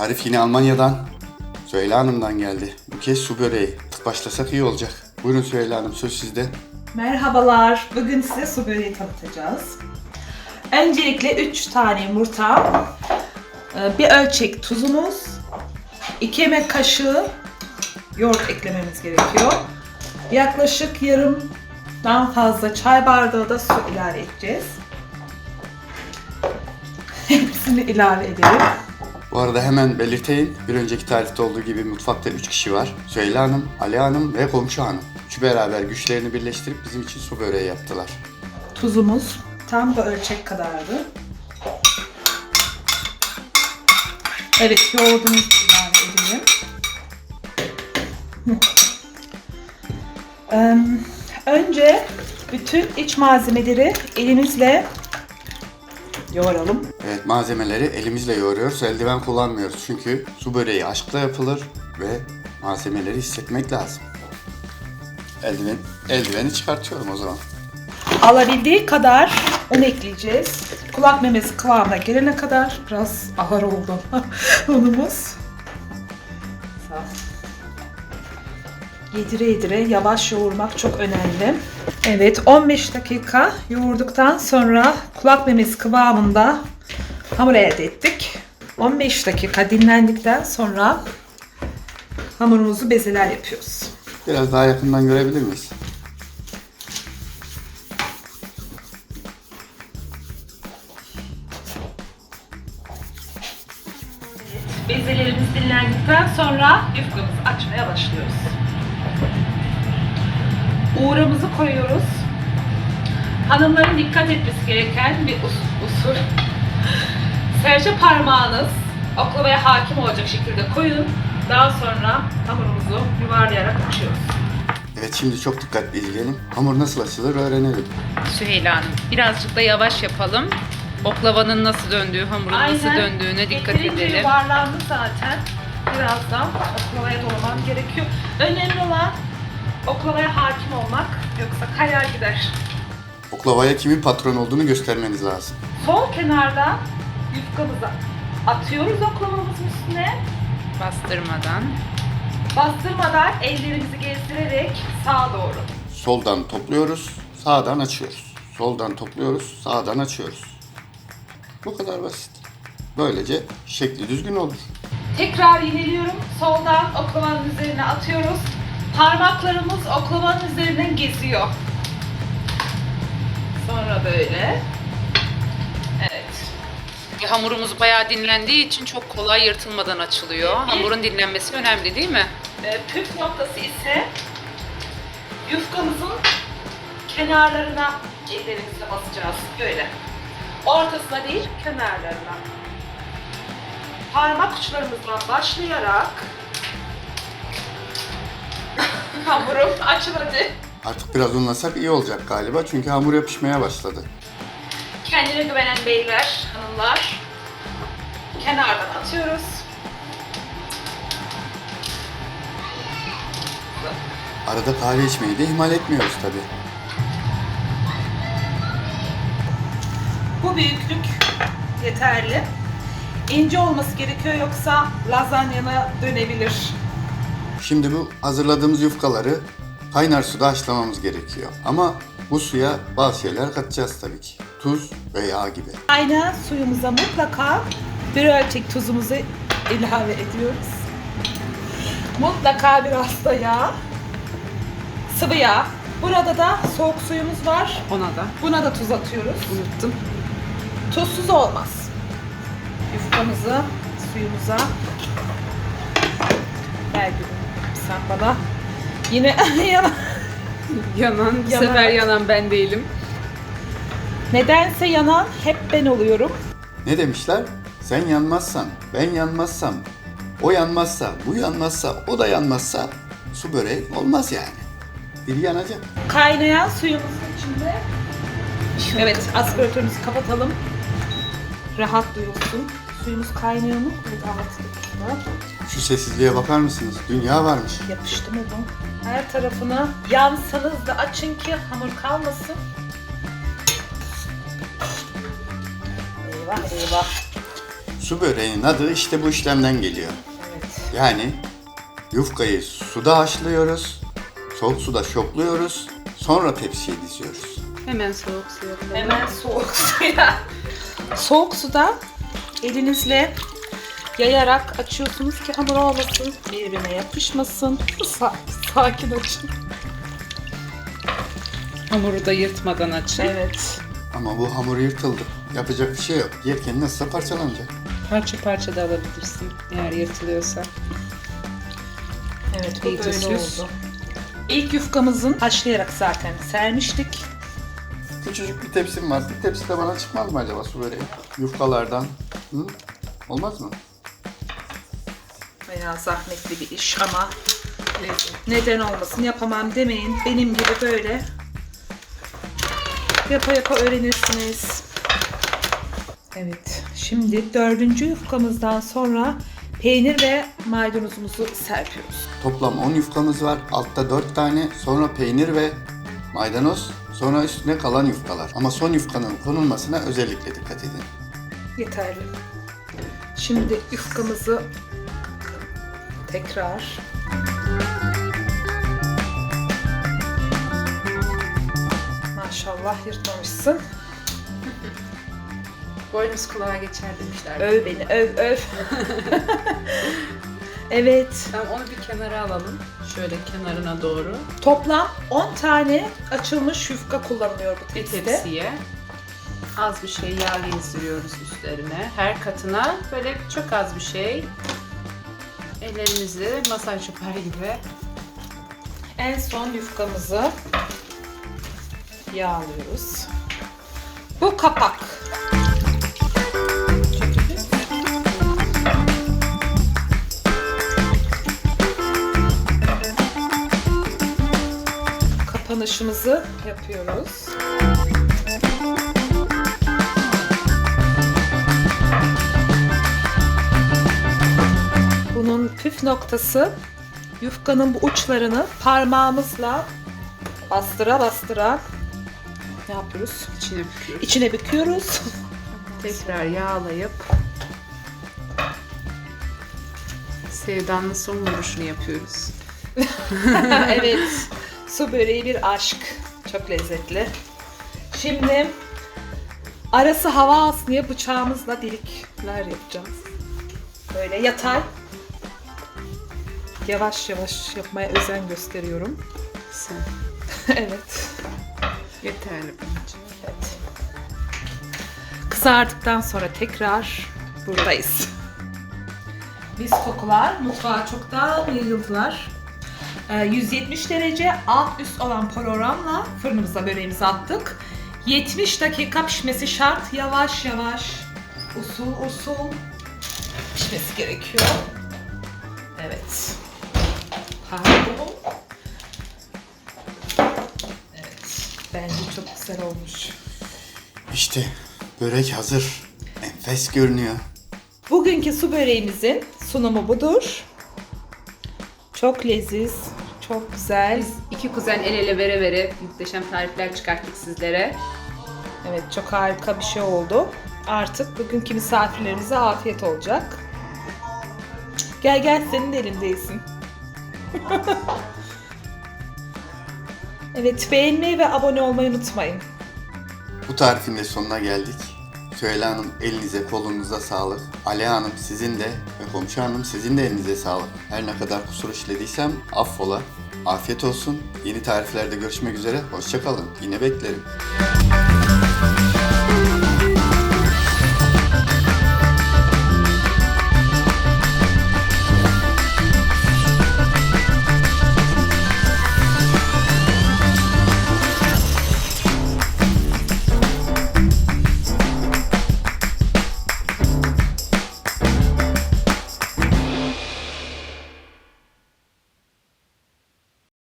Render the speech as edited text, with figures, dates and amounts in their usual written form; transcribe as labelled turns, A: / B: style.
A: Tarif yine Almanya'dan. Süheyla Hanım'dan geldi. Bu kez su böreği. Başlasak iyi olacak. Buyurun Süheyla Hanım, söz sizde.
B: Merhabalar. Bugün size su böreği tanıtacağız. Öncelikle 3 tane yumurta, bir ölçek tuzumuz, 2 yemek kaşığı yoğurt eklememiz gerekiyor. Yaklaşık yarımdan fazla çay bardağı da su ilave edeceğiz. Hepsini ilave edelim.
A: Bu arada hemen belirteyim. Bir önceki tarifte olduğu gibi mutfakta 3 kişi var. Süheyla Hanım, Ali Hanım ve komşu hanım. Üçü beraber güçlerini birleştirip bizim için su böreği yaptılar.
B: Tuzumuz tam bu ölçek kadardı. Evet, yoğurdumuzu ilave edelim. Önce bütün iç malzemeleri elimizle yoğuralım.
A: Evet, malzemeleri elimizle yoğuruyoruz. Eldiven kullanmıyoruz. Çünkü su böreği aşkla yapılır ve malzemeleri hissetmek lazım. Eldiveni çıkartıyorum o zaman.
B: Alabildiği kadar un ekleyeceğiz. Kulak memesi kıvamına gelene kadar. Biraz ağır oldu unumuz. Yedire yedire yavaş yoğurmak çok önemli. Evet, 15 dakika yoğurduktan sonra kulak memesi kıvamında hamur elde ettik. 15 dakika dinlendikten sonra hamurumuzu bezeler yapıyoruz.
A: Biraz daha yakından görebilir miyiz?
B: Bezelerimiz dinlendikten sonra yufkamızı açmaya başlıyoruz. Uğramızı koyuyoruz. Hanımların dikkat etmesi gereken bir usul. Serçe parmağınız oklavaya hakim olacak şekilde koyun. Daha sonra hamurumuzu yuvarlayarak açıyoruz.
A: Evet, şimdi çok dikkatli izleyelim. Hamur nasıl açılır öğrenelim.
C: Süheyla Hanım, birazcık da yavaş yapalım. Oklavanın nasıl döndüğü, hamurun nasıl döndüğüne dikkat
B: Yeterince
C: edelim.
B: yuvarlandı zaten. Birazdan oklavaya dolamam gerekiyor. Önemli olan oklavaya hakim olmak, yoksa kayar gider.
A: Oklavaya kimin patron olduğunu göstermeniz lazım.
B: Sol kenardan yufkamızı atıyoruz oklavamızın üstüne.
C: Bastırmadan.
B: Bastırmadan ellerimizi gezdirerek sağa doğru.
A: Soldan topluyoruz, sağdan açıyoruz. Soldan topluyoruz, sağdan açıyoruz. Bu kadar basit. Böylece şekli düzgün olur.
B: Tekrar yineliyorum. Soldan oklavanın üzerine atıyoruz. Parmaklarımız oklavanın üzerinden geziyor. Sonra böyle. Evet.
C: Hamurumuz bayağı dinlendiği için çok kolay yırtılmadan açılıyor. Hamurun dinlenmesi önemli değil mi?
B: Püf noktası ise yufkamızın kenarlarına ellerimizle basacağız. Böyle. Ortasına değil, kenarlarına. Parmak uçlarımızdan başlayarak hamurum açıldı.
A: Artık biraz unlasak iyi olacak galiba çünkü hamur yapışmaya başladı.
B: Kendine güvenen beyler, hanımlar, kenardan atıyoruz.
A: Arada kahve içmeyi de ihmal etmiyoruz tabii.
B: Bu büyüklük yeterli. İnce olması gerekiyor, yoksa lazanyana dönebilir.
A: Şimdi bu hazırladığımız yufkaları kaynar suda haşlamamız gerekiyor. Ama bu suya bazı şeyler katacağız tabii ki. Tuz ve yağ gibi.
B: Aynen, suyumuza mutlaka bir ölçek tuzumuzu ilave ediyoruz. Mutlaka biraz da yağ. Sıvı yağ. Burada da soğuk suyumuz var. Buna da tuz atıyoruz.
C: Unuttum.
B: Tuzsuz olmaz. Yufkamızı suyumuza ver gülüm, sen bana. Yine
C: Yanan, bu
B: Yanan.
C: sefer yanan ben değilim.
B: nedense yanan hep ben oluyorum.
A: Ne demişler? Sen yanmazsan, ben yanmazsam, o yanmazsa, bu yanmazsa, o da yanmazsa su böreği olmaz yani. Biri yanacak.
B: Kaynayan suyumuzun içinde. Evet, aspiratörümüzü kapatalım. Rahat duyulsun. Suyumuz kaynıyor mu? Evet, altı.
A: Şu sessizliğe bakar mısınız? Dünya varmış.
B: Yapıştı mı bu? Her tarafına yansanız da açın ki hamur kalmasın. Eyvah eyvah.
A: Su böreğinin adı işte bu işlemden geliyor.
B: Evet.
A: Yani yufkayı suda haşlıyoruz, soğuk suda şokluyoruz, sonra tepsiye diziyoruz.
C: Hemen soğuk suya koyalım.
B: Hemen soğuk suya. Soğuk suda elinizle yayarak açıyorsunuz ki hamur olmasın, birbirine yapışmasın. Sakin açın.
C: Hamuru da yırtmadan açın.
B: Evet.
A: Ama bu hamur yırtıldı. Yapacak bir şey yok. Yerken nasılsa parçalanacak.
C: Parça parça da alabilirsin eğer yırtılıyorsa.
B: Evet, bu
C: İyice
B: böyle
C: süs.
B: oldu. İlk yufkamızın haşlayarak zaten sermiştik.
A: Küçücük bir tepsim var. Bir tepsi de bana çıkmaz mı acaba su böreği? Yufkalardan. Hı? Olmaz mı?
B: Bayağı zahmetli bir iş ama neden olmasın, yapamam demeyin. Benim gibi böyle yapa yapa öğrenirsiniz. Evet, şimdi 4. yufkamızdan sonra peynir ve maydanozumuzu serpiyoruz.
A: Toplam 10 yufkamız var. Altta 4 tane. Sonra peynir ve maydanoz. Sonra üstüne kalan yufkalar. Ama son yufkanın konulmasına özellikle dikkat edin.
B: Yeterli. Şimdi yufkamızı tekrar maşallah yırtmamışsın.
C: Boynuz kulağa geçer demişler.
B: Öv beni, öv. Evet.
C: Tamam, onu bir kenara alalım. Şöyle kenarına doğru.
B: Toplam 10 tane açılmış yufka kullanılıyor bu
C: Bir
B: tepside.
C: tepsiye az bir şey yağ gezdiriyoruz üstlerine. Her katına böyle çok az bir şey. Ellerimizi masaj yapar gibi.
B: En son yufkamızı yağlıyoruz. Bu kapak. Kapanışımızı yapıyoruz. Bunun püf noktası yufkanın bu uçlarını parmağımızla bastıra bastıra ne yapıyoruz?
C: İçine büküyoruz.
B: İçine büküyoruz.
C: Tekrar yağlayıp sevdanlı son vuruşunu yapıyoruz.
B: Evet. Su böreği bir aşk. Çok lezzetli. Şimdi arası hava alsın diye bıçağımızla delikler yapacağız. Böyle yatay. Yavaş yavaş yapmaya özen gösteriyorum.
C: Sen.
B: Evet.
C: Yeterli bence.
B: Evet. Kızardıktan sonra tekrar buradayız. Biz kokular mutfağa çoktan yayıldılar. 170 derece alt üst olan programla fırınımıza böreğimizi attık. 70 dakika pişmesi şart. Yavaş yavaş, usul usul pişmesi gerekiyor. Evet. Pardon. Evet. Bence çok güzel olmuş.
A: İşte börek hazır. Enfes görünüyor.
B: Bugünkü su böreğimizin sunumu budur. Çok leziz, çok güzel.
C: Biz iki kuzen el ele vere vere muhteşem tarifler çıkarttık sizlere.
B: Evet, çok harika bir şey oldu. Artık bugünkü misafirlerimize afiyet olacak. Gel gel, senin de elindeyisin. Evet, beğenmeyi ve abone olmayı unutmayın.
A: Bu tarifin de sonuna geldik. Süheyla Hanım elinize kolunuza sağlık. Aliye Hanım sizin de ve komşu hanım sizin de elinize sağlık. Her ne kadar kusur işlediysem affola. Afiyet olsun. Yeni tariflerde görüşmek üzere. Hoşça kalın. Yine beklerim.